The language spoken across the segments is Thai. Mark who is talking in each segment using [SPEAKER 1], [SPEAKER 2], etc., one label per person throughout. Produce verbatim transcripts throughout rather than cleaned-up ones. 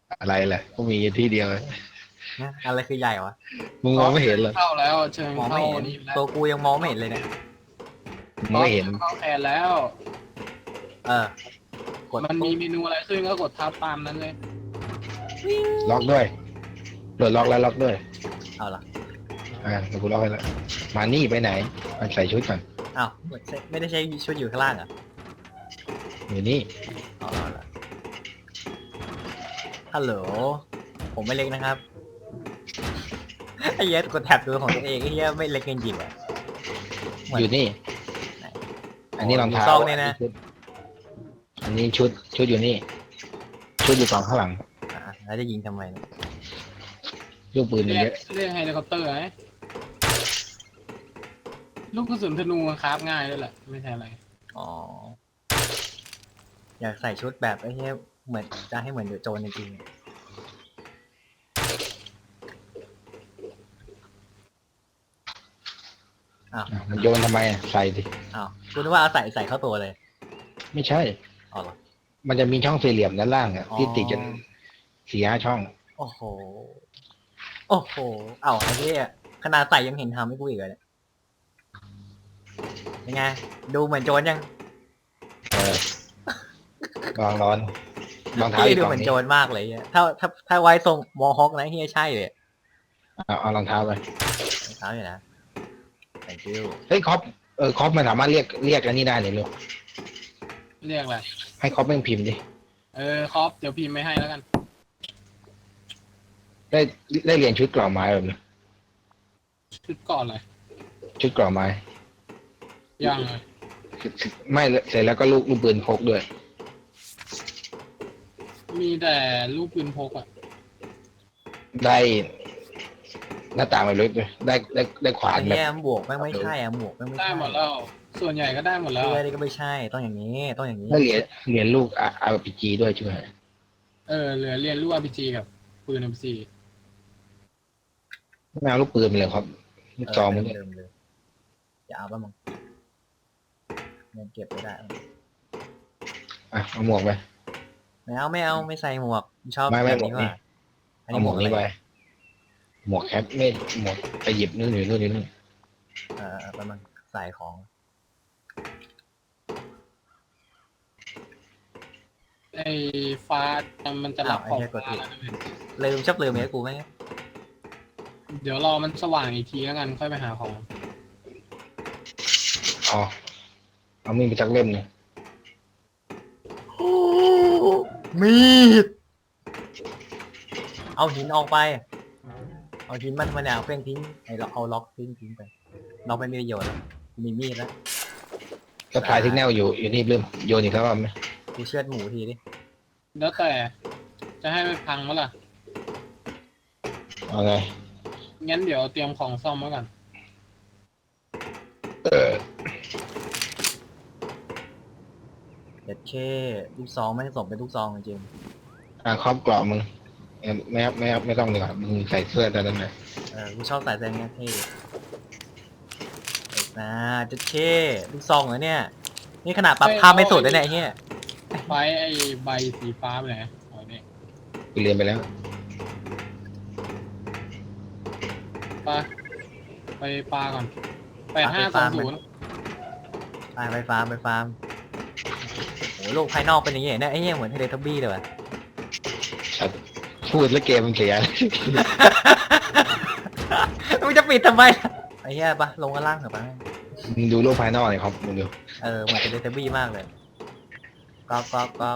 [SPEAKER 1] อะไรแหละก็มีที่เดียว
[SPEAKER 2] นะอะไรคือใหญ่วะ
[SPEAKER 1] มึงม
[SPEAKER 3] ก็เชิญ
[SPEAKER 1] องไม่เห็นเหรอ
[SPEAKER 3] เข้าแล้วเชิญเข้า
[SPEAKER 2] มองไม่เห็น
[SPEAKER 3] นี่แล้ว
[SPEAKER 2] ตัวกูยังมองไม่เห็นเลยเนี่ย
[SPEAKER 3] ก็
[SPEAKER 1] มึงไม่เห็น
[SPEAKER 3] เชิญเข้าแทนแล้ว
[SPEAKER 2] เออกด
[SPEAKER 3] มันมี
[SPEAKER 2] ปุ๊บ
[SPEAKER 3] เมนูอะไรขึ้นก็กดทับตามนั้นเลย
[SPEAKER 1] ล็อกด้วยโดดล็อกแล้วล็อกด้วย
[SPEAKER 2] เอาล่ะ
[SPEAKER 1] อ่าเดี๋ยวกูล็อกให้แล้วมานี่ไปไหนมาใส่ชุดก่อน
[SPEAKER 2] อ้าวไม่ได้ใช้ชุดอยู่ข้างล่างเหรอ่ะ
[SPEAKER 1] อยู่นี่
[SPEAKER 2] อ๋อเอาล่ะฮัลโหลผมไม่เล็กนะครับไอ้เหี้ยกดแท็บดูของตัวเองไอ้เหี้ยไม่เล็กจริงๆอ่ะเหมือน
[SPEAKER 1] อยู่นี่
[SPEAKER 2] ไหน
[SPEAKER 1] อันนี้รองเท้า
[SPEAKER 2] ยู่ซอกเนี่ยนะ
[SPEAKER 1] อันนี้ชุดชุดอยู่นี่ ชุดอยู่ฝั่งข้างหลัง
[SPEAKER 2] อ่ะแล้วจะยิงทำไมเนี่ย
[SPEAKER 1] ลูกปืนมัน
[SPEAKER 3] เรีย
[SPEAKER 1] เย
[SPEAKER 3] ก
[SPEAKER 1] อะ
[SPEAKER 3] เรียกเฮลิคอปเตอร์ไหมลูกกระสุนธนูคราฟง่ายด้วยแหละไม่ใช่อะไร
[SPEAKER 2] อ๋ออยากใส่ชุดแบบไอ้เหี้ยเหมือนจะให้เหมือนเดอะโจนจริงๆอ้าว
[SPEAKER 1] อ่ะมันโยนทำไมอ่ะใส่ดิ
[SPEAKER 2] อ้าวคุณนึกว่าเอาใส่ใส่เข้าตัวเลย
[SPEAKER 1] ไม่ใช่
[SPEAKER 2] อ๋อเหรอ
[SPEAKER 1] มันจะมีช่องสี่เหลี่ยมด้านล่างอ่ะ
[SPEAKER 2] อ๋อ
[SPEAKER 1] ที่ติดกันสี่ห้าช่อง
[SPEAKER 2] โอ้โห โอ้โห เอ้าไอ้เหี้ยขนาดใส่ยังเห็นทำให้กูอีกเลยเนี่ยยังไง ดูเหมือนโจรยัง
[SPEAKER 1] เออลองร้อนรองเท้า
[SPEAKER 2] พี่
[SPEAKER 1] อีก
[SPEAKER 2] ดู
[SPEAKER 1] กล่อ
[SPEAKER 2] เหมื
[SPEAKER 1] ง
[SPEAKER 2] อน
[SPEAKER 1] นี้
[SPEAKER 2] โจรมากเลยเหี้ยถ้าถ้าถ้าไว้ทรงมอฮอคนะเฮียใช่เลย
[SPEAKER 1] เอาเอารองเท้าไป
[SPEAKER 2] รองเท้าอยู่นะ thank you
[SPEAKER 1] เฮ้ยคอปเออคอปมันสามารถเรียกเรียกอันนี้ได้เลยลูก
[SPEAKER 3] เรียกอะไร
[SPEAKER 1] ให้คอปแม่งพิมพ์ดิ
[SPEAKER 3] เออครอปเดี๋ยวพิมพ์ไม่ให้แล้วกัน
[SPEAKER 1] ได้ได้เรียนชุดกล่อไม้แบบนี้
[SPEAKER 3] ชุดก่อนเลย
[SPEAKER 1] ชุดกล่อไม้
[SPEAKER 3] ยังเลย
[SPEAKER 1] ไม่เสร็จแล้วก็ลูกลูกปืนพกด้วย
[SPEAKER 3] มีแต่ลูกปืนพกอะ
[SPEAKER 1] ได้หน้าต่างไปเลยด้วยได้ได้ได้ขวา
[SPEAKER 2] ไอ้
[SPEAKER 1] นแบบ
[SPEAKER 2] เฮียหมวกแม่งไม่ใช่อะหมวกแม่งไม่
[SPEAKER 3] ได้
[SPEAKER 2] ใช่
[SPEAKER 3] หมดแล้ว ส่วนใหญ่ก็ได้หมดแล้ว
[SPEAKER 2] เสื้อนี่ก็ไม่ใช่ ต้องอย่างนี้ ต้องอย่างนี้
[SPEAKER 1] ได้เหรียญเหรียญลูกอาร์พีจีด้วยช่วย
[SPEAKER 3] เออเหลือเรียนลูก อาร์ พี จี กับปืน เอ็ม ซี
[SPEAKER 1] ไม่เอาลูกปืนไปเลยครับลูก
[SPEAKER 2] เออ
[SPEAKER 1] ซองมัน
[SPEAKER 2] เดิ
[SPEAKER 1] ด้วย
[SPEAKER 2] มๆเลยอย่าเอาป่ะมึงเงินเก็บไม่ได้
[SPEAKER 1] อ่ะเอาหมวกไป
[SPEAKER 2] ไม่เอาไม่เอาไม่ใส่หมวกชอบ
[SPEAKER 1] ไม่ไม่
[SPEAKER 2] แบบนี้
[SPEAKER 1] หมวกนี่
[SPEAKER 2] ว่าอัน
[SPEAKER 1] เอา
[SPEAKER 2] นี้
[SPEAKER 1] ห
[SPEAKER 2] ห
[SPEAKER 1] ม
[SPEAKER 2] ม
[SPEAKER 1] ว
[SPEAKER 2] ว
[SPEAKER 1] ก
[SPEAKER 2] ก
[SPEAKER 1] นี้
[SPEAKER 2] อะไร
[SPEAKER 1] ไปหมวกแคปไม่หมวกไปหยิบนู่นอยู่นู่นอยู่นู่น
[SPEAKER 2] เออประมาณใส่ของ
[SPEAKER 3] ไอ้ฟ้ามันจะรับ
[SPEAKER 2] อ้าว
[SPEAKER 3] ข
[SPEAKER 2] ไอ้
[SPEAKER 3] อง
[SPEAKER 2] เหี้ยกดผิ
[SPEAKER 3] ฟ้า
[SPEAKER 2] ด
[SPEAKER 3] แล้วนะเว้ย
[SPEAKER 2] ลืมชอบลืมเนี่ยกูไหม
[SPEAKER 3] เดี๋ยวรอมันสว่างอีกทีแล้วกันค่อยไปหาของ
[SPEAKER 1] อ๋อเอามีดไปจักเล่มหนึง
[SPEAKER 2] มีด เอาหินออกไป เอาหินมันมาเนี่ยเอาเพี้ยงทิ้งไอ้เราเอาล็อกทิ้งทิ้งไปล็อกไม่มีประโยชน์แล้วมีมีดแล้ว
[SPEAKER 1] ก็ถ่ายที่แนวอยู่อยู่นี่เริ่มโยนอีกแล้วไหม
[SPEAKER 2] กูเชือดหมูทีดิ
[SPEAKER 3] แล้วแต่จะให้ไปพังมั้ล่ะ
[SPEAKER 1] เอาไง
[SPEAKER 3] งั้นเดี๋ยวเตรียมของซ่อมไว้ก่อน
[SPEAKER 1] เออ
[SPEAKER 2] เด็ดเช่ลูกซองไม่งสมเป็นลูกซองจริง
[SPEAKER 1] อ่ะครอบกรอบมึงเอ้ยไม่ไม่ไม่ต้องดีกว่ามึงใส่เสื้อแต่นั้นไหน
[SPEAKER 2] ๆเออกูชอบใส่แซงเงี้ยเท่เด็ดนะเด็ดเช่ลูกซองเหรอเนี่ยนี่ขนาดปรับภาพไม่สุดเลยเนี่ยไอ้เฮีย
[SPEAKER 3] ไฟไอ้ใบสีฟ้าไปไหนอ๋อนี่
[SPEAKER 1] กูเรียนไปแล้ว
[SPEAKER 3] ปลาไปปลาก่อนแปดห้าสองศูนย์
[SPEAKER 2] ไปไปฟาร์มไปฟาร์มโอ้โหโลกภายนอกเป็นอย่างเงี้ยเนี่ยไอ้เหี้ยเหมือนเทเลทับบี้เลยว่ะ
[SPEAKER 1] ชัดพูดแล้วเกมมันเสีย
[SPEAKER 2] มึงจะปิดทำไมไอ้เหี้ยปะลงกันล่างเถอะปะ
[SPEAKER 1] มึงดูโลกภายนอกหน่อยครับมึงดู
[SPEAKER 2] เออเหมือนเทเลทับบี้มากเลยก๊อกก๊อกก๊อก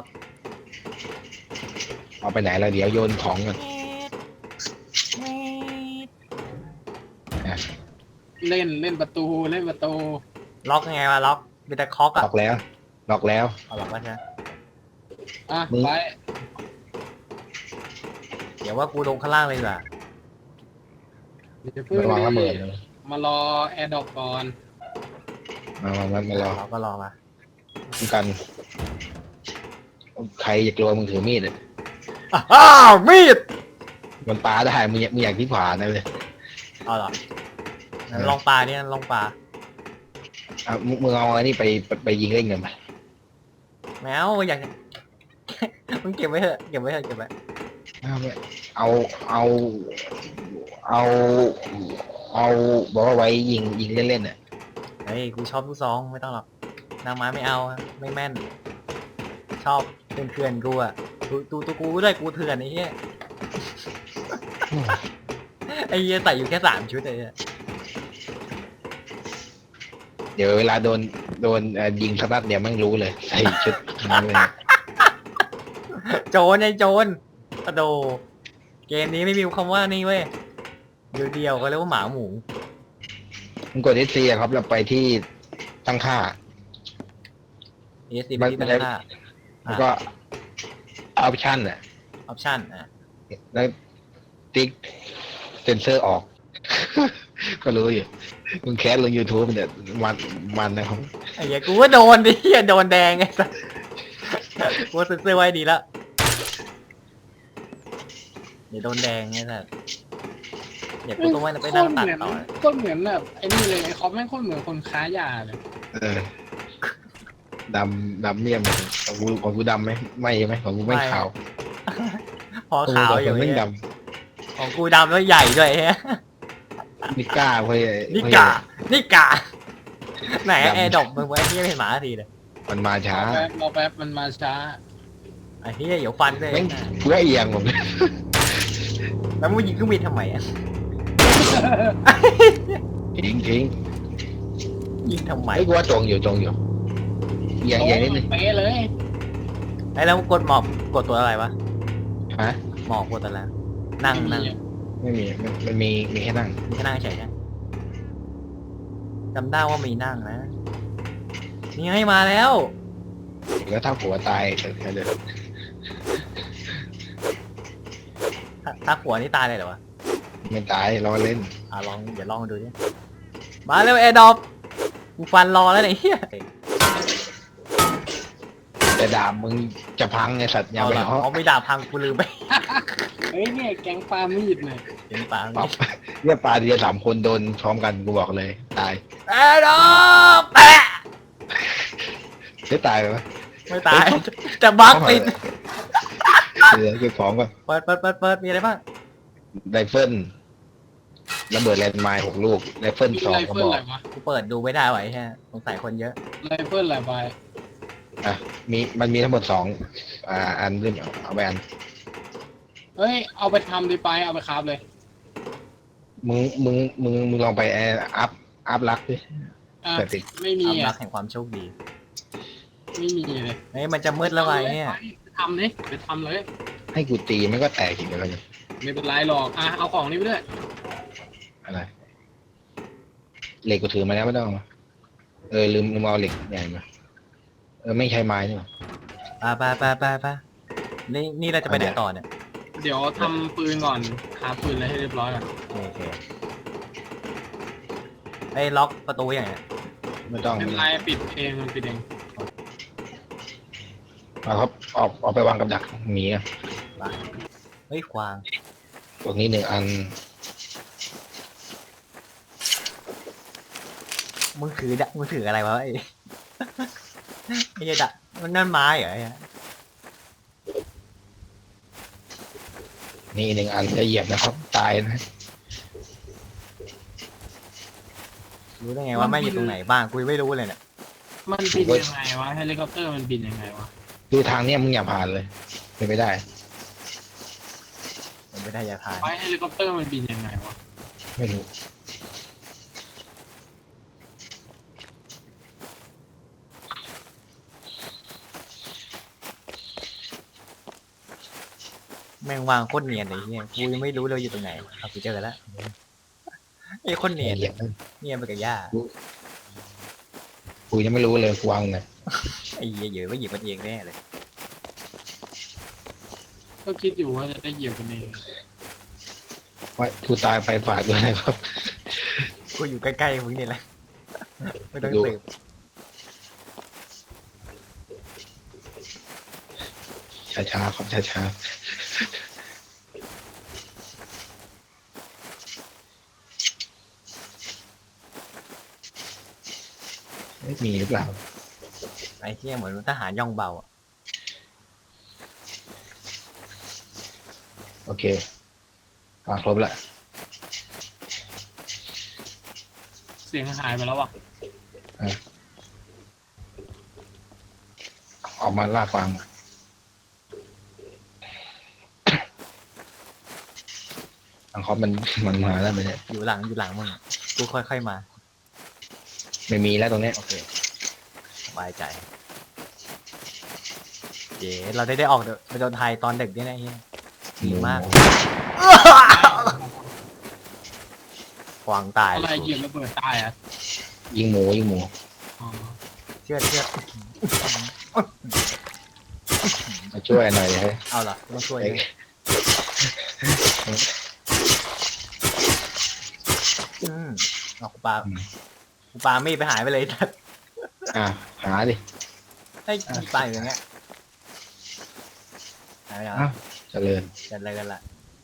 [SPEAKER 1] เอาไปไหนแล้วเดี๋ยวโยนของกัน
[SPEAKER 3] เล่นเล่นประตูเล่นประตู
[SPEAKER 2] ล็อกยังไงวะล็อกมีแต่คอก
[SPEAKER 1] ล็
[SPEAKER 2] อะ
[SPEAKER 1] อกแล้วล็อกแล้ว
[SPEAKER 2] เอาล็อกวะใช่ไหม
[SPEAKER 3] อ่ะ
[SPEAKER 1] มึง
[SPEAKER 3] ไป
[SPEAKER 2] เดี๋ยวว่ากูลงข้างล่างเลยดีกว่า
[SPEAKER 3] เดี๋ยวเพิ่ง
[SPEAKER 1] ระวังระเบิด
[SPEAKER 3] ดิ
[SPEAKER 1] นะ
[SPEAKER 3] มารอแอร์ดรอปก่อน
[SPEAKER 1] มามามามา
[SPEAKER 2] เร
[SPEAKER 1] รอ
[SPEAKER 2] าก็รอมา
[SPEAKER 1] ป้องกัน ใครจะกลัวมึงถือมีดอะ
[SPEAKER 2] อ้าวมีด
[SPEAKER 1] มันปาได้มึงอยากมึงอยากที่ขวานะเลย
[SPEAKER 2] เอาเหรองั้นลองปลาเนี่ยลองปลา
[SPEAKER 1] อ่ะมึงมึงเอาอันนี้ไปไปไปยิงเล่นกันไป
[SPEAKER 2] แมวอยาก มึงเก็บไว้เถอะเก็บไว้เถอะเก็บไว้
[SPEAKER 1] เอาเอาเอาเอาเอาบอกว่าไว้ยิงยิงเล่นๆอ่ะ
[SPEAKER 2] เฮ้ยกูชอบลูกซองไม่ต้องหรอกนางไม้ไม่เอาอะไม่แม่น ชอบเถื่อนเถื่อนๆกูอะตูตูตูกูด้วยกูเถื่อนไอ้เหี้ยไอ้เหี้ยใส่อยู่แค่สามชุดเลยอะ
[SPEAKER 1] เดี๋ยวเวลาโดนโดนเอ่อยิงสตัดเดี๋ยวไม่รู้เลยใส่ชุดนั้นเลย
[SPEAKER 2] โจรไอ้โจรกระโดเกมนี้ไม่มีคำว่านี่เว้ยเดียวเดียวก็เรียกว่าหมาหมู
[SPEAKER 1] มึงกดเอสซีครับเราไปที่ตั้งค่า
[SPEAKER 2] เอสซี
[SPEAKER 1] มั
[SPEAKER 2] เป็น
[SPEAKER 1] น
[SPEAKER 2] ที่
[SPEAKER 1] มัน
[SPEAKER 2] ตั้ง
[SPEAKER 1] จะ
[SPEAKER 2] ค่า
[SPEAKER 1] แล้วก็ออปชั่นอ่ะ
[SPEAKER 2] ออปชั่นอ่ะ
[SPEAKER 1] แล้วติ๊กเซนเซอร์ออก ก็รู้อยู่มึงแคสลง YouTube เนี่ยมันมันนะครับ
[SPEAKER 2] ไอ้เหี้ยกูก็โดนดิเหี้ยโดนแดงไงสัสกูเซ็นเซอร์ไว้ดีแล้วเดี๋ยวโดนแดงไงสัสเดี๋ยวกูต้องไปนั่งตัดต่อ
[SPEAKER 3] ก็เหมือนแบบไอ้นี่เลยไอ้คอปแม่งโคตรเหมือนคนค้ายาเลย
[SPEAKER 1] เออดำดำเนี่ยมันของกูของกูดำไหมไม่ใช่ไหมของกูไม่ขาว
[SPEAKER 2] พอขาวอยู่
[SPEAKER 1] ไม่
[SPEAKER 2] เนี่ย
[SPEAKER 1] ด
[SPEAKER 2] ของกูดำแล้วใหญ่ด้วยเฮ้ย
[SPEAKER 1] ำนิก้าเว้ย
[SPEAKER 2] นี่กานี่กาไหนแอร์ดรอปมึงไว้ที่ไม่เห็นหมาทีเลย
[SPEAKER 1] มันมาช้าร
[SPEAKER 3] อแป๊บรอแป๊บมันมาช้า
[SPEAKER 2] ไอ้เหี้ยเดี๋ยวฟันเลย
[SPEAKER 1] แม่งเพื่อเอียงผม
[SPEAKER 2] แล้วมึงยิงเครื่องบินทำไมอ่ะ
[SPEAKER 1] ทิ้งทิ้ง
[SPEAKER 2] ยิงทำไม
[SPEAKER 1] ไอ้กูว่าตรงอยู่ตรงอยู่เอียงเอียงนิดนึง
[SPEAKER 3] เป๊ะเลย
[SPEAKER 2] ไอ้แล้วกดหมอบกดตัวอะไรวะ
[SPEAKER 1] ฮะ
[SPEAKER 2] หมอบกดตัวอะไรนั่งนั่ง
[SPEAKER 1] ไม่มีมันมันมีมีแค่นั่ง
[SPEAKER 2] มีแค่นั่งเฉยๆจำได้ว่ามีนั่งนะนี่ให้มาแล้ว
[SPEAKER 1] แล้วถ้าผัวตายเดี๋ยว
[SPEAKER 2] ถ้าถ้าหัวนี่ตายเลยเหรอวะ
[SPEAKER 1] ไม่ตายรอเล่น
[SPEAKER 2] อ่ะลองเดี๋ยวลองดูดิมาเร็วแอร์ดรอปกูฟันรอแล้วเนี่ยเฮีย
[SPEAKER 1] แต่ดาบมึงจะพังไงสัตว์อย่า
[SPEAKER 2] เอา
[SPEAKER 1] ไป
[SPEAKER 2] เหรอ
[SPEAKER 1] เอา
[SPEAKER 2] เอาไม่ด่าพังกูลืมไป
[SPEAKER 3] เฮ้ยเนี่ยแก๊งปลามีดเลย
[SPEAKER 2] เห็นปาง
[SPEAKER 1] ปรับเนี่ยปลาเดียวสามคนโดนพร้อมกันกูบอกเลย ตาย
[SPEAKER 2] แอร์ดรอปแปะ
[SPEAKER 1] ได้ตายไหม
[SPEAKER 2] ไม่ตายจะบักติด
[SPEAKER 1] เดี๋ยวเก็บของก่อน
[SPEAKER 2] เปิดเปิดเปิดเปิดมีอะไรบ้าง
[SPEAKER 1] ไรเฟิลระเบิดแลนด์ไมน์หกลูกไรเฟิล
[SPEAKER 3] มี
[SPEAKER 1] สอง
[SPEAKER 3] ไร
[SPEAKER 1] กระ
[SPEAKER 3] เฟิล
[SPEAKER 1] บอ
[SPEAKER 3] อะไร
[SPEAKER 1] ก
[SPEAKER 3] วะ
[SPEAKER 2] กูเปิดดูไม่ได้ไว้แค่สงสัยคนเยอะ
[SPEAKER 3] ไรเฟิลอะไรไป
[SPEAKER 1] อ่ะมีมันมีทั้งหมดสองอ่าอันด้วยเอาไปอัน
[SPEAKER 3] เฮ้ยเอาไปทำดีไปเอาไปคราฟเลย
[SPEAKER 1] มึงมึงมึงมึงลองไปแอร์อัพอัพลักดิ
[SPEAKER 3] อ่ะ
[SPEAKER 1] แต่ติด
[SPEAKER 3] ไม่มี
[SPEAKER 2] ความรั
[SPEAKER 3] อ่ะ
[SPEAKER 2] กแห่งความโชคดี
[SPEAKER 3] ไม่มีเลย
[SPEAKER 2] เฮ้ยมันจะมืดแล้วไงเนี่ย
[SPEAKER 3] ไปทำเลยไปทำเลย
[SPEAKER 1] ให้กูตีมันก็แตกอีกแล้วเนี่ย
[SPEAKER 3] ไม่เป็นไรหรอกอ่ะเอาของนี้ไปด้วย
[SPEAKER 1] อะไรเหล็กกูถือมาแล้วไม่ต้องเอามาเออลืมลืมเอาเหล็กใหญ่มาเออไม่ใช้ไม้นี่หว่า
[SPEAKER 2] ไปไปไปไปไปนี่นี่เราจะไปไหนต่อเนี่ย
[SPEAKER 3] เดี๋ยวทำปืนก่อนหาปืนอะไรให้เรียบร้อยก่อน
[SPEAKER 2] โอเคไอ้ล็อกประตูอย่างเงี้ย
[SPEAKER 1] ไม่ต้อง
[SPEAKER 3] ไม่เป็นไรปิดเองมันปิดเอง
[SPEAKER 1] เอาครับออกออกไปวางกับดักหมีอะ
[SPEAKER 2] เฮ้ยควาง
[SPEAKER 1] ตรงนี้หนึ่งอัน
[SPEAKER 2] มึงถือดะมึงถืออะไรวะไอ้ ไอ้เหี้ยดะมันนั่นไม้เหรอไอ้เหี้ย
[SPEAKER 1] นี่หนึ่งอันจะเหยียบนะครับ ตายนะ
[SPEAKER 2] รู้ได้ไงว่าแม่งอยู่ตรงไหนบ้างกูยังไม่รู้เลยเนี่ย
[SPEAKER 3] มันบินยังไงวะเฮลิคอปเตอร์มันบินยังไงวะ
[SPEAKER 1] ดูทางเนี้ยมึงอย่าผ่านเลยเป็นไปได้
[SPEAKER 2] มันไม่ได้ยาทาน
[SPEAKER 3] ไฟเฮลิคอปเตอร์มันบินยังไงวะ
[SPEAKER 1] ไม่รู้
[SPEAKER 2] แม่งวางโคตรเนียนเลยเนี่ยกูยังไม่รู้เลยอยู่ตรงไหนเอากูเจอแล้วไอ้โคนเนียน
[SPEAKER 1] เหยียบ
[SPEAKER 2] เนียนไปกับหญ้า
[SPEAKER 1] กูยังไม่รู้เลยกูวางไง
[SPEAKER 2] ไอ้เหี้ยเยอะว่าหยิบมันเองแน่เลย
[SPEAKER 3] ก็คิดอยู่ว่าจะได้เหยียบกันเอง
[SPEAKER 1] ว่ากูตายไปฝากด้วยนะครับ
[SPEAKER 2] กูอยู่ใกล้ๆมึงนี่แหละไม่ต้องสืบ
[SPEAKER 1] ช้าๆครับช้าๆไม่มีหรือเปล่า
[SPEAKER 2] ไอ้เหี้ยเหมือนทหารย่องเบาอะ
[SPEAKER 1] โอเคมาครบละ
[SPEAKER 3] เสียงหายไปแล้วว่ะ
[SPEAKER 1] ออกมาล่าฟังอังคอปมันมันมาแล้วไหมเนี่ย
[SPEAKER 2] อยู่หลังอยู่หลังมึงอะกูค่อยๆมา
[SPEAKER 1] ไม่มีแล้วตรงเนี้ย
[SPEAKER 2] โอเคสบายใจเย้เราได้ได้ออกไปโดนไทยตอนเด็กด้วยนะเฮียดีมากขวางตาย
[SPEAKER 3] อะไรเหยียบระเบิดตายอ่ะ
[SPEAKER 1] ยิงหมูยิงหมู
[SPEAKER 3] อ๋อ
[SPEAKER 2] เชื่อเชื่อ
[SPEAKER 1] มาช่วยหน่อยเลย
[SPEAKER 2] เอาล่ะต้องช่วย
[SPEAKER 1] เฮ้
[SPEAKER 2] ด้วย ยอืมเอากูปากูปาไม่ไปหายไปเลย
[SPEAKER 1] อ่ะหาดิ
[SPEAKER 2] ให้กูปาอยู่อย่างเงี้ยหายไปแล้ว
[SPEAKER 1] อ้าวเจริญ
[SPEAKER 2] กันอะไรกันล่ะ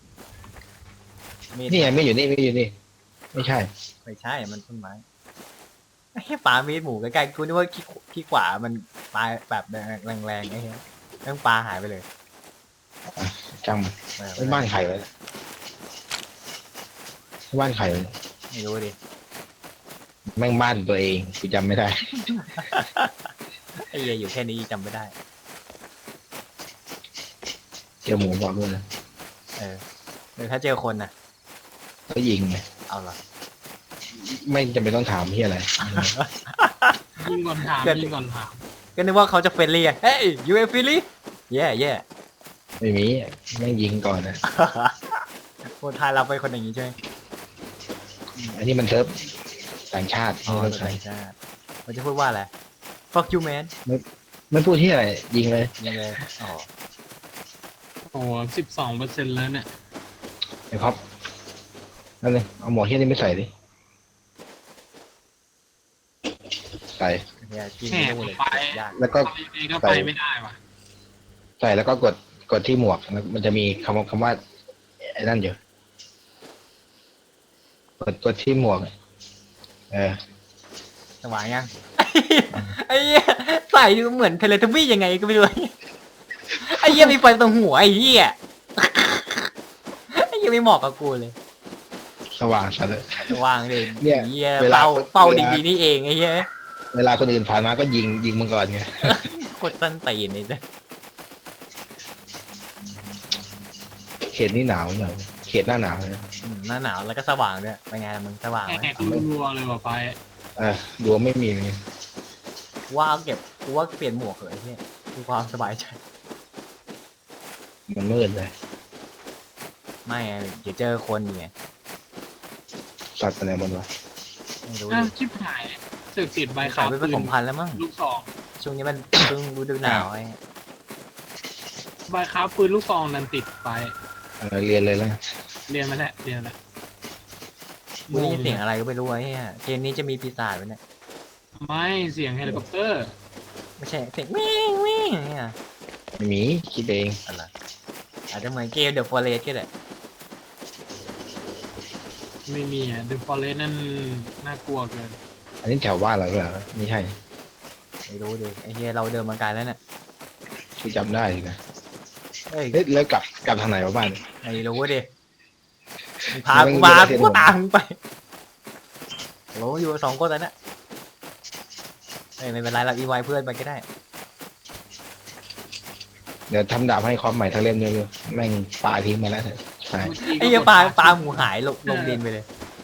[SPEAKER 2] มีด
[SPEAKER 1] นี่ไงไม่อยู่นี่ไม่อยู่นี่ ไม่ใช่
[SPEAKER 2] ไม่ใช่มันต้นไม้ไอ้เหี้ยปลามีดหมูใกล้ๆกูนึกว่าขี้ขี้ขวามันปลาแบบแรงๆไอ้เหี้ยเรื่องปลาหายไปเลย
[SPEAKER 1] จังมัน
[SPEAKER 2] เออ
[SPEAKER 1] ไม่บ้านใครไว้บ้านใครไว้
[SPEAKER 2] ไม่รู้ดิ
[SPEAKER 1] แม่งบ้านตัวเองกูจำไม่ได้
[SPEAKER 2] ไอ้เหี้ยอยู่แค่นี้จำไม่ได้
[SPEAKER 1] เจอหมูบอกด้วยนะ
[SPEAKER 2] เออหรือถ้าเจอคนน่ะ
[SPEAKER 1] ก็ยิงไง
[SPEAKER 2] เอาล่ะ
[SPEAKER 1] ไม่จำเป็นต้องถามที่อะไร
[SPEAKER 3] ยิงก่อนถาม
[SPEAKER 2] เกิด
[SPEAKER 3] ยิงก่อนถาม
[SPEAKER 2] ก็นึกว่าเขาจะเฟรนลี่อะเฮ้ยยูเอฟฟิลี่แย่แย่
[SPEAKER 1] ไม่มีแม่งยิงก่อนนะ
[SPEAKER 2] คนไทยเราเป็นคนอย่างนี้ใช่ไหม
[SPEAKER 1] อันนี้มันเซิร์ฟต่างชาติ
[SPEAKER 2] อ๋อ
[SPEAKER 1] ไม่ต้อง
[SPEAKER 2] ใช่
[SPEAKER 1] ใช้
[SPEAKER 2] ใช่มันจะพูดว่าอะไร fuck you man
[SPEAKER 1] ไม่พูดที่อะไร ยิงเลย
[SPEAKER 2] ยังไงอ๋อ
[SPEAKER 3] โอ้สิบสองเปอร์เซ็นต์แล้วเนี่ย
[SPEAKER 1] ไอ้ครับนั่นเลยเอาหมวกเฮียนี่ไม่ใส่ดิใส่
[SPEAKER 2] เนี่ยกิน
[SPEAKER 3] แหม
[SPEAKER 2] ไม่รู้เลย
[SPEAKER 3] ไป
[SPEAKER 2] ยาก
[SPEAKER 1] แล้วก็
[SPEAKER 3] ไปเองก็ไปไม่ได้ว่ะ
[SPEAKER 1] ใส่แล้วก็กดกดที่หมวกแล้วมันจะมีคำว่าคำว่าไอ้นั่นอยู่กดกดที่หมวกเออ
[SPEAKER 2] สว่างยัง ไอ้เหี้ยใส่ดูเหมือนเทเลทบี้ยังไงก็ไม่รู้ ไอ้เหี้ยมีไฟตรงหัวไอ้เหี้ย ไอ้เหี้ยไม่เหมาะกับกูเลย
[SPEAKER 1] สว่างสัตว์เลย
[SPEAKER 2] สว่างเลย
[SPEAKER 1] เนี่ย
[SPEAKER 2] ไอ้เหี้ย
[SPEAKER 1] เวลา
[SPEAKER 2] เป้าเป้า
[SPEAKER 1] เวลา
[SPEAKER 2] ดีๆนี่เองไอ้เหี้ย
[SPEAKER 1] เวลาคนอื่นผ่านมาก็ยิงยิงมึงก่อนไง
[SPEAKER 2] กดตั้นตีนนี่เลย
[SPEAKER 1] เขตนี่หนาวหน่อยเขตหน้าหนาวเลย
[SPEAKER 2] อืมหน้าหนาวแล้วก็สว่างด้วยเป็นไงล่ะมึงสว่างไหม
[SPEAKER 3] แหกรัวๆเลยว่ะไป
[SPEAKER 1] เออดวงไม่มีเลย
[SPEAKER 2] กูว่าเอาเก็บกูว่าเปลี่ยนหมวกเหอะไอ้เหี้ยคือความสบายใจ
[SPEAKER 1] มันมืดเลย
[SPEAKER 2] ไม่ไงเดี๋ยวเจอคนไง
[SPEAKER 1] สัตว์อะไรมันวะ
[SPEAKER 2] ไม่รู้
[SPEAKER 3] อ้าว
[SPEAKER 2] ดิ
[SPEAKER 3] ชิบหายสึกติดใบ
[SPEAKER 2] ใส่
[SPEAKER 3] ขาว
[SPEAKER 2] ไปผ
[SPEAKER 3] ปืน
[SPEAKER 2] สมพันธุ์แล้วมั้ง
[SPEAKER 3] ลูกซอง
[SPEAKER 2] ช่วงนี้มันช่วงฤดูหนาวไอ้
[SPEAKER 3] ใบขาวปืนลูกซองนั้นติดไป
[SPEAKER 1] เออเรียนเลยแล้ว
[SPEAKER 3] เรียนมาแล้วเรียนมาแล้ว
[SPEAKER 2] มึงได้ยินเสียงอะไรก็ไม่รู้ไอ้เหี้ยเกมนี้จะมีปีศาจไว้เนี่ย
[SPEAKER 3] ไม่เสียงเฮลิคอปเตอร์
[SPEAKER 2] ไม่ใช่เสียงวิ่งวิ่งเนี่ย
[SPEAKER 1] ไม่มีคิดเอง
[SPEAKER 2] อะไรอาจจะเหมือนเกมเดอะฟอเรสก็ได้
[SPEAKER 3] ไม่มีอ่ะเดอะฟอเรสนั่นน่ากลัวเกิน
[SPEAKER 1] อันนี้แถวบ้านเราหรือเปล่าไม่ใช่
[SPEAKER 2] ไม่รู้ดิไอ้เฮียเราเดินมาไกลแล้วเนี่ย
[SPEAKER 1] ที่จำได้สินะ
[SPEAKER 2] เอ้ย
[SPEAKER 1] เฮ้ยแล้วกลับกลับทางไหนวะบ้าน
[SPEAKER 2] ไม่รู้ดิมึงพากูมากูก็ตามมึงไปโหอยู่สองคนแล้วเนี่ยเอ้ยไม่เป็นไรเราอีไวเพื่อนไปก็ได้
[SPEAKER 1] เดี๋ยวทำดาบให้คอมใหม่ทั้งเล่มเลยแม่งปลาทิ้งมาแล้วใช่
[SPEAKER 2] ไอ้เหี้ยปลาปลาหมูหายลงลงดินไปเลย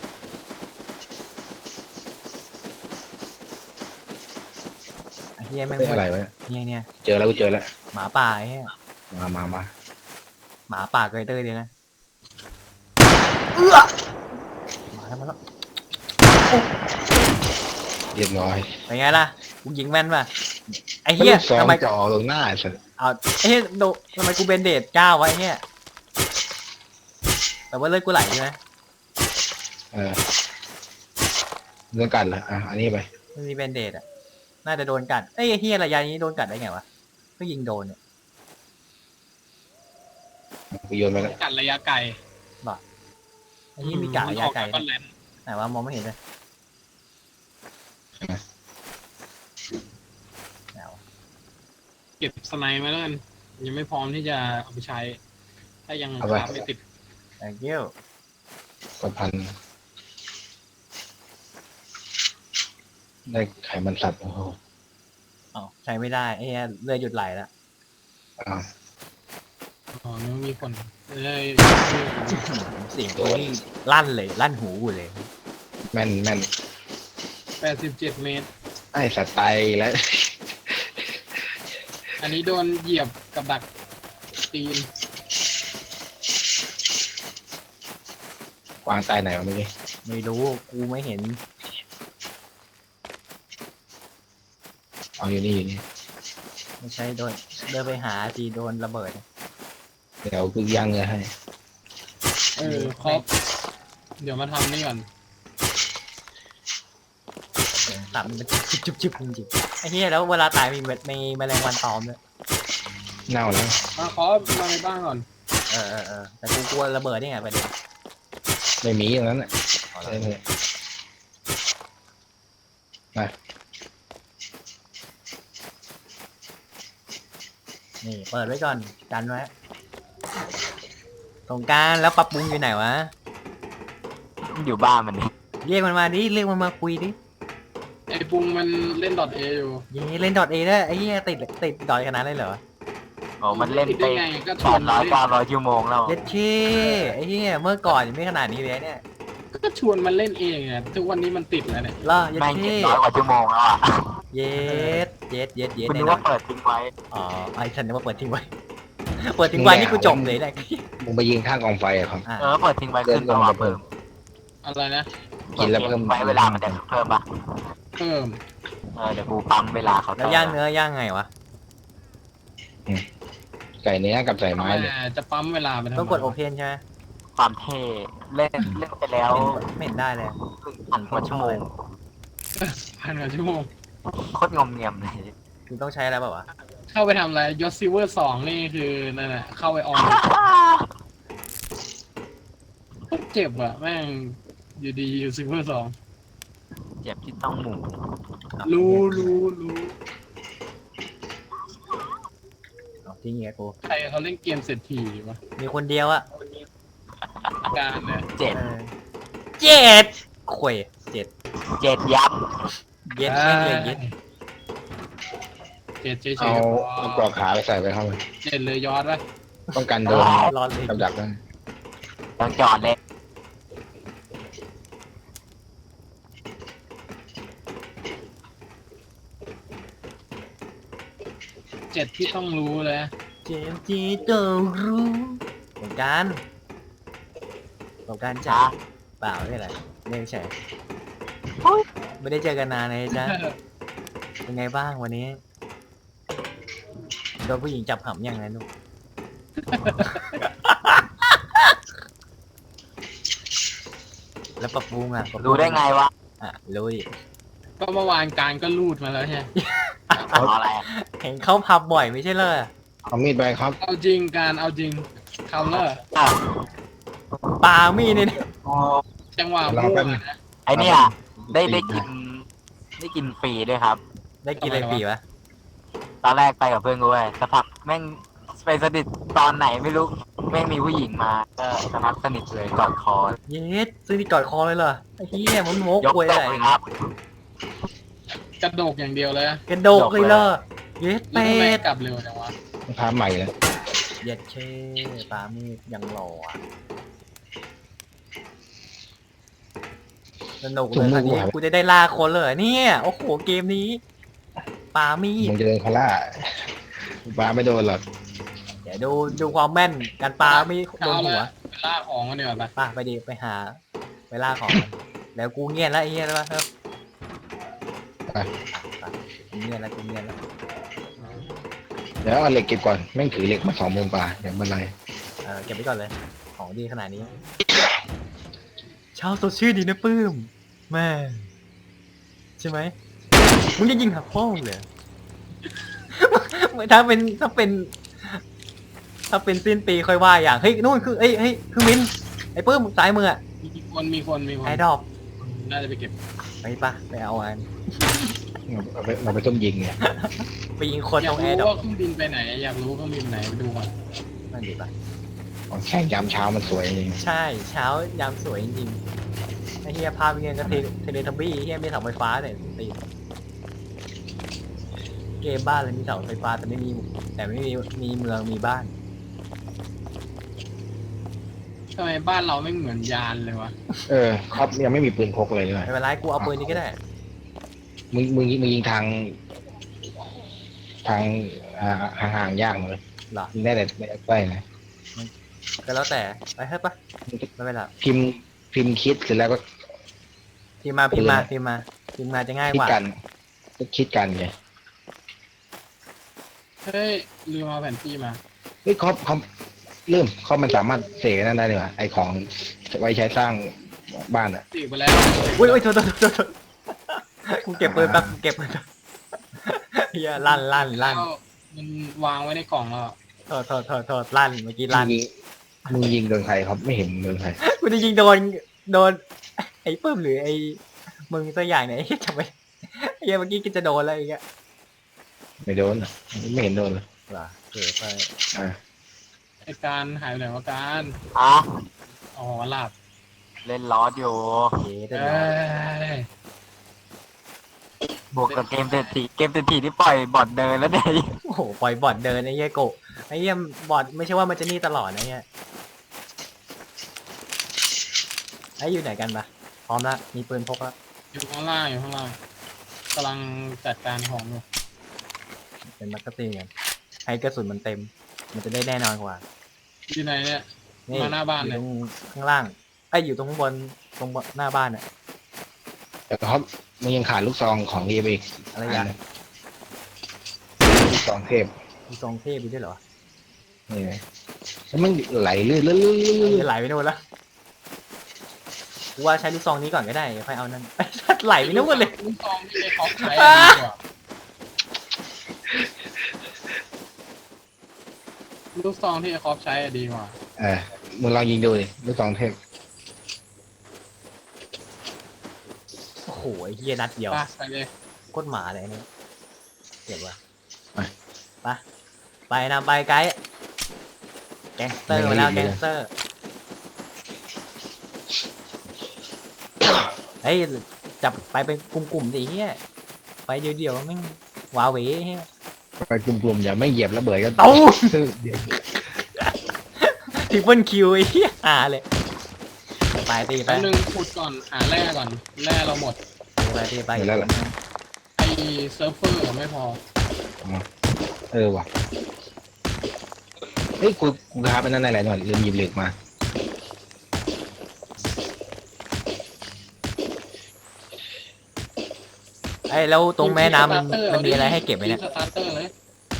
[SPEAKER 2] ไอ้เหี้ยแม่ง
[SPEAKER 1] เฮ้ยอะไรวะ
[SPEAKER 2] เนี่ยเนี่ย
[SPEAKER 1] เจอแล้วกูเจอแล้ว
[SPEAKER 2] หมาป่าไอ้เหี้ย
[SPEAKER 1] มามามา
[SPEAKER 2] หมาป่าเกยเตอร์เลยนะเอื้อมาแล้วมาแล้ว
[SPEAKER 1] เรียบร้อย
[SPEAKER 2] เป็นไงล่ะกูยิงแม่นป่ะไอ้เหี้ย
[SPEAKER 1] สอง
[SPEAKER 2] ทำไม
[SPEAKER 1] จ่อลงหน้าสัตว์
[SPEAKER 2] เอาไอ้เหี้ยโดทำไมกูเบนเดดเก้าไว้เนี่ยแต่ว่าเลือดกูไหลใช่ไหม
[SPEAKER 1] เออเรื่องกันเหรออ่ะอันนี้ไป
[SPEAKER 2] มันมีเบนเดดอ่ะน่าจะโดนกัดไอ้เหี้ยระยะนี้โดนกัดได้ไงวะก็ยิงโดนเนี่ย
[SPEAKER 1] กูโยนไปแล้ว
[SPEAKER 3] กัดระยะไกล
[SPEAKER 2] ไอ้เหี้ยมีกะระยะไกล
[SPEAKER 3] ก็
[SPEAKER 2] นะ
[SPEAKER 3] แลน
[SPEAKER 2] ไหนว่ามองไม่เห็นเลยไหนวะ
[SPEAKER 3] เก็บสไนด์มาแล้วกันยังไม่พร้อมที่จะเอาไปใช้ถ้ายัง
[SPEAKER 1] เอาไป
[SPEAKER 3] คราฟไม่ติด
[SPEAKER 2] thank you
[SPEAKER 1] กดพันได้ไขมันสัตว์โอ้โห
[SPEAKER 2] อ๋อใช้ไม่ได้ไอ้เหี้ยเลือดหยุดไหลแล้ว
[SPEAKER 1] อ้าว
[SPEAKER 3] อ๋อนึกว่ามีคนเลย
[SPEAKER 2] เสียงตัวนี้ลั่นเลยลั่นหูกูเลย
[SPEAKER 1] แม่นแม่น
[SPEAKER 3] แปดสิบเจ็ดเมตร
[SPEAKER 1] ไอสัตว์ตายอีกแล้ว
[SPEAKER 3] อันนี้โดนเหยียบกับดักตีน
[SPEAKER 1] กวางตายไหนวะเมื่อกี้
[SPEAKER 2] ไม่รู้กูไม่เห็น
[SPEAKER 1] เอาอยู่นี่อยู่นี่
[SPEAKER 2] ไม่ใช่โดนเดินไปหาทีโดนระเบิด
[SPEAKER 1] เดี๋ยวกูย่างเนื้อให้
[SPEAKER 3] เออครบเดี๋ยวมาทำนี่ก่อน
[SPEAKER 2] เสียงตับมันจุบจุบจุบจริงๆไอ้เหี้ยแล้วเวลาตายมีเม็ดมีแมลงวันตอมด้วย
[SPEAKER 1] เน่าแล้ว
[SPEAKER 3] มาขอมาในบ้านก่อน
[SPEAKER 2] เออเออเออแต่กูกลัวระเบิดนี่ไงประเด็น
[SPEAKER 1] ไม่มีอย่างนั้นแหละ
[SPEAKER 2] เอา
[SPEAKER 1] ใช่
[SPEAKER 2] ละ
[SPEAKER 1] เลยมา
[SPEAKER 2] นี่เปิดไว้ก่อนกันไว้สงกรารแล้วปรับปรุงอยู่ไหนวะ
[SPEAKER 4] อยู่บ้านมันนี่
[SPEAKER 2] เรียกมันมาดิเรียกมันมาคุยดิ
[SPEAKER 3] ไอ้ปุงมันเล่นดอทเออยู่
[SPEAKER 2] เย้เล่นดอทเอได้ไอ้เหี้ยติดติดดอทขนาดนั้นเลยเหรอ
[SPEAKER 4] โอ้มันเล่น
[SPEAKER 3] ติด
[SPEAKER 4] ไป
[SPEAKER 3] ได้ไงก็ช
[SPEAKER 4] แป
[SPEAKER 3] วน
[SPEAKER 4] ด
[SPEAKER 3] มา
[SPEAKER 4] ร้อย
[SPEAKER 3] เล่น
[SPEAKER 4] เก้าร้อยชั่วโมงแล้ว
[SPEAKER 2] เย็ดเช่ไอ้เหี้ยเมื่อก่อนยังไม่ขนาดนี้เลยเนี่ย
[SPEAKER 3] ก็ชวนมันเล่นเองอ่ะทุกวันนี้มันติดแล้วเนี่ย
[SPEAKER 2] ล่อเย็ด
[SPEAKER 4] แม่งเจ็
[SPEAKER 2] เช่
[SPEAKER 4] ดร้อยกว่าชั่วโมงแล้วอ่ะ
[SPEAKER 2] เย็ดเย็ดเย็ดเย็ด
[SPEAKER 4] คุณ
[SPEAKER 2] แน่
[SPEAKER 4] นึก
[SPEAKER 2] นอ
[SPEAKER 4] ว่าน เปิดทิ้งไว้
[SPEAKER 2] อ๋อไอ้ฉันนึกว่าเปิดทิ้งไว้ เปิดทิ้งไว้นี่กูจบเลยแหละ
[SPEAKER 1] มึงไปยิงข้างกองไฟอะครับ
[SPEAKER 2] อ่ะ
[SPEAKER 4] เออเปิดทิ้งไว้ขึ้นตัวเพิ่ม
[SPEAKER 3] อะไรนะ
[SPEAKER 1] กินแล้วเพิ่ม
[SPEAKER 4] ไว้เวลามันจะเพิ่มปะ
[SPEAKER 3] เพิ่ม
[SPEAKER 4] เออเดี๋ยวกูปั๊มเวลาเขา
[SPEAKER 2] แล้วย่างเนื้อย่างไงวะ
[SPEAKER 1] ไก่เนื้อกับใส่ไม้เนี่ย
[SPEAKER 3] อ่าจะปั๊มเวลาไปทำไม
[SPEAKER 2] ต้องกดโอเพนใช่ไหม
[SPEAKER 4] ความเท่เล่นเล่นไปแล้ว
[SPEAKER 2] ไม่เห็นได้เลย
[SPEAKER 4] ครึ่งพันกว่าชั่วโมง
[SPEAKER 3] พันกว่าชั่วโมง
[SPEAKER 4] โคตรงอมเงียมเลย
[SPEAKER 2] คือต้องใช้อะไรเปล่าวะ
[SPEAKER 3] เข้าไปทำอะไรยศซิลเวอร์สองนี่คือนั่นแหละเข้าไปออนเจ็บอ่ะแม่งอยู่ดีอยู่ซิลเวอร์สอง
[SPEAKER 4] เจ็บที่ต้องหมู
[SPEAKER 3] รู้รู้รู้
[SPEAKER 2] เอาทิ้งเงี้ยกู
[SPEAKER 3] ใครเขาเล่นเกมเศรษฐีวะ
[SPEAKER 2] มีคนเดียวอะ
[SPEAKER 3] การเนี่ย
[SPEAKER 4] เจ็ด
[SPEAKER 2] เออเจ็ดข่วยเจ็ด
[SPEAKER 4] เจ็ดยับ
[SPEAKER 2] เย็ดแม่งเลยเย็ด
[SPEAKER 3] เจ็ดเฉยๆ
[SPEAKER 1] เอา
[SPEAKER 3] ก็พ
[SPEAKER 1] เอาปลอกขาไปใส่ไปเข้าไป
[SPEAKER 3] เจ็ดเลยยอดวะ
[SPEAKER 1] ป้องกันโดน
[SPEAKER 2] รอดเลย
[SPEAKER 1] กับดักนั่น
[SPEAKER 4] ต้องจอดเลย
[SPEAKER 3] เจ็ดที่ต้องรู้เลย
[SPEAKER 2] เจมส์จีต้องรู้สงกรารสงกรารจ้า
[SPEAKER 4] จ้า
[SPEAKER 2] เปล่าไม่อะไรไม่ใช่
[SPEAKER 4] โอ้ย
[SPEAKER 2] ไม่ได้เจอกันนานเลยจ้าเป็นไงบ้างวันนี้โดนผู้หญิงจับหำยังไงลูก แล้วปรับปรุงอ่ะปบป
[SPEAKER 4] รู้ได้ไงวะ
[SPEAKER 2] อ่ะรู้ดิ
[SPEAKER 3] ก็เมื่อวานการก็รูดมาแล้วใช่ไหม
[SPEAKER 4] เอาอะไรอะ
[SPEAKER 2] เห็นเข้าพับบ่อยไม่ใช่เลย
[SPEAKER 1] เอามีดไปครับ
[SPEAKER 3] เอาจริงการเอาจริงคาเลอร์
[SPEAKER 4] อ่ะ
[SPEAKER 2] ปามีดเนี่ย
[SPEAKER 4] โอ้
[SPEAKER 3] จังหวะ
[SPEAKER 1] ลอง
[SPEAKER 3] พูด
[SPEAKER 1] แป๊บนึง
[SPEAKER 3] นะ
[SPEAKER 4] ไอเนี่ยได้ได้กินได้กินฟรีด้วยครับ
[SPEAKER 2] ได้กินอะไรปีวะ
[SPEAKER 4] ตอนแรกไปกับเพื่อนกูเว้ยสักพักแม่งไปสนิทตอนไหนไม่รู้แม่งมีผู้หญิงมาก็สักพักสนิทเลยกอดคอ
[SPEAKER 2] เย็ดซื้อที่กอดคอเลยเหรอไอ้เหี้ยมันโมก
[SPEAKER 4] ยก
[SPEAKER 2] กวย
[SPEAKER 4] ต
[SPEAKER 2] อะ
[SPEAKER 4] ก
[SPEAKER 2] ไร
[SPEAKER 4] เลยครับ
[SPEAKER 3] กระโดกอย่างเดียวเลยนะ
[SPEAKER 2] กระโดกเลยเหรอเย็ด
[SPEAKER 3] แล้ว
[SPEAKER 2] เป็
[SPEAKER 3] ทำไม
[SPEAKER 2] ด
[SPEAKER 3] กลับเร็วจังวะ
[SPEAKER 1] พาใหม่แล้ว
[SPEAKER 2] เย็ดเช่ปามีดยังหล่ออะสนุกเลยตอนนี้กูจะได้ล่าคนเลยเหรอเนี่ยโอ้โหเกมนี้ปามีด
[SPEAKER 1] มึงจะเดินคาร่าปลาไม่โดนหรอก
[SPEAKER 2] เดี๋ยวดูดูความแม่นการปาไม่โดน
[SPEAKER 3] เอา
[SPEAKER 2] หัว
[SPEAKER 3] ละไปล่าของกันดีกว่าไป
[SPEAKER 2] ป่ะไปดิไปหาไปล่าของมันแล้วกูเงียบแล้วไอ้เงียบแล้วครับ
[SPEAKER 1] ไป
[SPEAKER 2] อ่ะกูเงียบแล้วกูเงียบแล้ว
[SPEAKER 1] เดี๋ยวเอาเหล็กเก็บก่อนแม่งถือเหล็กมาสองมุมปลาอย่างบันได
[SPEAKER 2] เออเก็บไว้ก่อนเลย ของดีขนาดนี้เช้าสดชื่นดีนะปื้มแม่ใช่ไหมมึงจะยิงหักโป้งเลย ถ้าเป็นถ้าเป็น ถ้าเป็นสิ้นปีค่อยว่าอย่างเฮ้ยนู่นคือเอ้ยเฮ้ยคือมินไอ้ปื้มซ้ายมืออะ
[SPEAKER 3] มีคนมีคนมีคน
[SPEAKER 2] ไอ้ดอก
[SPEAKER 3] น่าจะไปเก็บ
[SPEAKER 2] ไปปะไปเอาอัน
[SPEAKER 1] เราไปเราไปต้มยิงเนี่ย
[SPEAKER 2] ไปยิงคน
[SPEAKER 3] อยา
[SPEAKER 2] ต
[SPEAKER 3] ก
[SPEAKER 2] รงแอ
[SPEAKER 3] รู้
[SPEAKER 2] ร์ดอก
[SPEAKER 3] ว่าเครื่องบินไปไหน อยากรู้เครื่องบินไหนไปดูก่อน
[SPEAKER 2] นั่นดีปะโอ
[SPEAKER 1] ของแข่งยามเช้ามันสวยจริง
[SPEAKER 2] ใช่เช้ายามสวยจริงๆไอ้เฮียภาพเงี้ยก็เทเทเลทับบี้เฮียมีเสาไฟฟ้าเนี่ยตีเกมบ้านเลยมีเสาไฟฟ้าแต่ไม่มีแต่ไม่มีมีเมืองมีบ้าน
[SPEAKER 3] ทำไมบ้านเราไม่เหมือนยานเลยวะ
[SPEAKER 1] เออครับยังไม่มีปืนพกเลยด้วย
[SPEAKER 2] ไม่เป็นไรกูเอาปืนนี้ก็ได้
[SPEAKER 1] มึงมึงมึงยิงทาง ทางอ่าห่างๆยากเลย
[SPEAKER 2] เหรอ
[SPEAKER 1] ยิงได้แต่ไม่ได้ใกล้นะ
[SPEAKER 2] ก็แล้วแต่ไปเฮ้ยปะไม่เป็นไร
[SPEAKER 1] พิมพ์พิมพ์คิดเสร็จแล้วก็
[SPEAKER 2] พิมพ์มาพิมพ์มาพิมพ์มาพิมพ์มาจะง่าย
[SPEAKER 1] คิ
[SPEAKER 2] ก
[SPEAKER 1] ด
[SPEAKER 2] ว่า
[SPEAKER 1] กันก็คิดกันไง
[SPEAKER 3] เฮ้ยลืมเอาแผนที่มา
[SPEAKER 1] เฮ้ยคอมคอมเริ่มคอมมันสามารถเสกนั่นได้เลยว่ะไอของไว้ใช้สร้างบ้านอ่ะ
[SPEAKER 3] ตีไปแล้ว
[SPEAKER 2] อุ้ยอุ้ยโทษโทษโทษโทษกูเก็บปืนแป๊บกูเก็บปืนแป๊บเฮียลั่นลั่นลั่น
[SPEAKER 3] แล้วมันวางไว้ในกล่องแล้ว
[SPEAKER 2] โทษโทษโทษโทษลั่นเมื่อกี้ลั่น
[SPEAKER 1] มึงยิงมึงยิงโดนใครครับไม่เห็นโดนใคร
[SPEAKER 2] กูจะยิงโดนโดนไอ้ปื้มหรือไอ้มึงตัวอย่างเนี่ยไอ้เหี้ยทำไมไอ้เหี้ยเมื่อกี้ก็จะโดนอะไรอย่างเงี้ย
[SPEAKER 1] ไม่โดนอะไม่เห็นโดนเลย
[SPEAKER 2] เหรอเออไป
[SPEAKER 1] อ่า
[SPEAKER 3] ไอการหายไปไหนวะการ
[SPEAKER 4] อ่ะ
[SPEAKER 3] อ๋อหลับ
[SPEAKER 4] เล่นลอสอยู่
[SPEAKER 2] เย้ได้
[SPEAKER 3] เอ้
[SPEAKER 2] แล้ว
[SPEAKER 3] ย
[SPEAKER 4] บวกกับเกมเศรษฐีเกมเศรษฐีที่ปล่อยบอทเดินแล้วเนี่ย
[SPEAKER 2] โอ้โหปล่อยบอดเดินไอ้เหี้ยโกะไอ้เหี้ยบอดไม่ใช่ว่ามันจะนี่ตลอดนะเนี่ยไอ้อยู่ไหนกันปะพร้อมละมีปืนพกละ
[SPEAKER 3] อยู่ข้างล่างอยู่ข้างล่างกำลังจัดการของอยู่
[SPEAKER 2] เป็นมักกะซีนกันให้กระสุนมันเต็ม มันจะได้แน่นอนกว่า
[SPEAKER 3] อยู่ไหนเนี่ย
[SPEAKER 2] นี่
[SPEAKER 3] มาหน้าบ้าน
[SPEAKER 2] อ
[SPEAKER 3] เลย
[SPEAKER 2] ยู่ตรงข้างล่างไอ้ยอยู่ตรงข้างบนตรงหน้าบ้านอะ
[SPEAKER 1] แต่ครับมึงยังขาดลูกซองของดีไปอีก
[SPEAKER 2] อะไรอย่าง
[SPEAKER 1] ลูกซองเทพ
[SPEAKER 2] มีทรงเทพอยู่ด้วยเหรอ
[SPEAKER 1] นี่ไงแล้วมันไหลเรื่อยๆเรื่อยๆเรื่อยๆ
[SPEAKER 2] จะไหลไปโน่นละกูว่าใช้ลูกซองนี้ก่อนก็ได้ค่อยเอานั่น ไหลไปโน่นเลย
[SPEAKER 3] ลูกซองที่ไอ้คอปใช้อะดีกว่าลูกซองที่ไอ้คอปใช้อะดีกว่า
[SPEAKER 1] เออมึงลองยิงดูดิลูกซองเทพ
[SPEAKER 2] โอ้โหไอ้เฮียนัดเดียว
[SPEAKER 3] ไปไปเลย
[SPEAKER 2] โคตรหมาเลยอันนี่เก็บว่ะไปไปนำไปไกด์แก๊งสเตอร์มาแล้วแก๊งสเตอร์เฮ้ยจับไปเป็นกลุ่มๆดิเฮียไปเดียวๆแม่งว้าเหวเฮีย
[SPEAKER 1] ไปกลุ่มๆอย่าไม่เหยียบระเบิดก็
[SPEAKER 2] เอ้า
[SPEAKER 1] เดี๋ยว
[SPEAKER 2] ทริปเปิลคิวไอ้เหี้ยหาเลยไปตีไป
[SPEAKER 3] แป๊บนึงขุดก่อนหาแร่ก่อนแร่เราหมด
[SPEAKER 2] ตีไปตีไป
[SPEAKER 1] เห็นแล้วเหรอ
[SPEAKER 3] ไอเซิร์ฟเวอร์ไม่พอ
[SPEAKER 1] เออว่ะเฮ้ยกูกูคาไปนั่นอะไรหน่อยลืมหยิบเหล็กมา
[SPEAKER 2] ไอ้แล้วตรงแม่น้ำมันมันมีอะไรให้เก็บไหมเนี่ย
[SPEAKER 3] สตาร์เตอร์เลย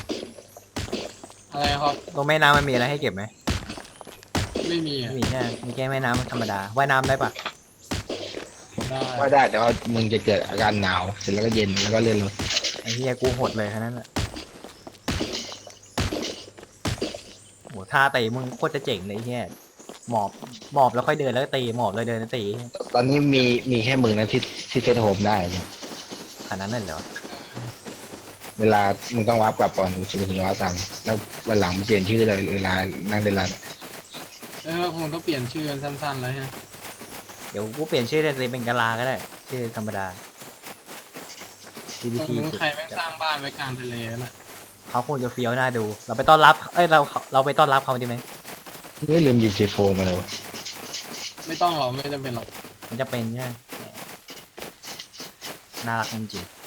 [SPEAKER 3] อะไรครับ
[SPEAKER 2] ตรงแม่น้ำมันมีอะไรให้เก็บไหม
[SPEAKER 3] ไม่มีอ่ะ
[SPEAKER 2] ไม่มีแค่มีแค่แม่น้ำธรรมดาว่ายน้ำได้ปะ
[SPEAKER 3] ได้
[SPEAKER 1] ว่าได้แต่ว่ามึงจะเกิดอาการหนาวเสร็จแล้วก็เย็นแล้วก็เลื่อนรถ
[SPEAKER 2] ไอ้เหี้ยกูโหดเลยแค่นั้นแหละโหท่าตีมึงโคตรจะเจ๋งเลยไอ้เหี้ยหมอบหมอบแล้วค่อยเดินแล้วก็ตีหมอบเลยเดินแล้วตี
[SPEAKER 1] ตอนนี้มีมีแค่มึงนะที่ที่เซตโฮมได้เนี่ย
[SPEAKER 2] ขนาดนั้นเลยเหรอ
[SPEAKER 1] เวลามึงต้องวับกลับก่อนถึงถึงวับตังแล้ววันหลังมึงเปลี่ยนชื่อเลยเวลานั่งเดินร้าน
[SPEAKER 3] เออคงต้องเปลี่ยนชื่อกันสั้นๆแล้วฮะ
[SPEAKER 2] เดี๋ยวกูเปลี่ยนชื่อเลยเป็นกาลาก็ได้ชื่อธรรมดา
[SPEAKER 3] ตรง
[SPEAKER 2] จี พี ที
[SPEAKER 3] นู้นใครไม่งสร้างบ้านไว้กลางทะเลน่ะ
[SPEAKER 2] เขาคงจะเฟี้ยวน่าดู เราไปต้อนรับ เอ้ยเราเราไปต้อนรับเขาดีไหม
[SPEAKER 1] ไม่ลืมหยิบเจโฟมาเลยวะ
[SPEAKER 3] ไม่ต้องหรอกไม่จำเป็นหรอก
[SPEAKER 2] มันจะเป็นใช่ไหมน่ารักจริงๆ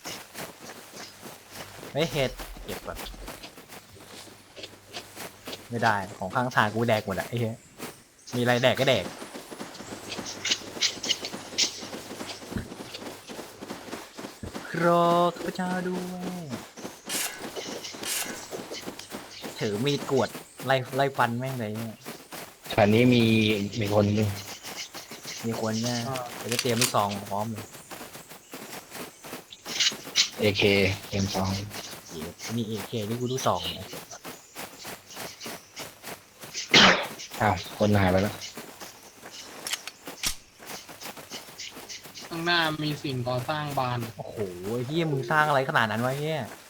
[SPEAKER 2] เฮ้ยเห็ดเก็บก่อนไม่ได้ของข้างทางกูแดกหมดอะไอ้เหี้ยมีอะไรแดกก็แดกรอข้าพเจ้าด้วยถือมีดกวดไล่ไล่ฟันแม่งเลยเนี่ย
[SPEAKER 1] แถวนี้มีมีคนนึง
[SPEAKER 2] มีคนเนี่ยเดี๋ยวจะเตรียมลูกซองพร้อมเลย
[SPEAKER 1] เอเคเอ็มสอง
[SPEAKER 2] เดี๋ยวมีเอเคนี่กูลูกซองเนี่ย
[SPEAKER 1] อ้าวคนหายไปแล้ว
[SPEAKER 3] ข้างหน้ามีสิ่งก่อสร้างบาน
[SPEAKER 2] โอ้โหไอ้เฮียมึงสร้างอะไรขนาดนั้นวะเฮีย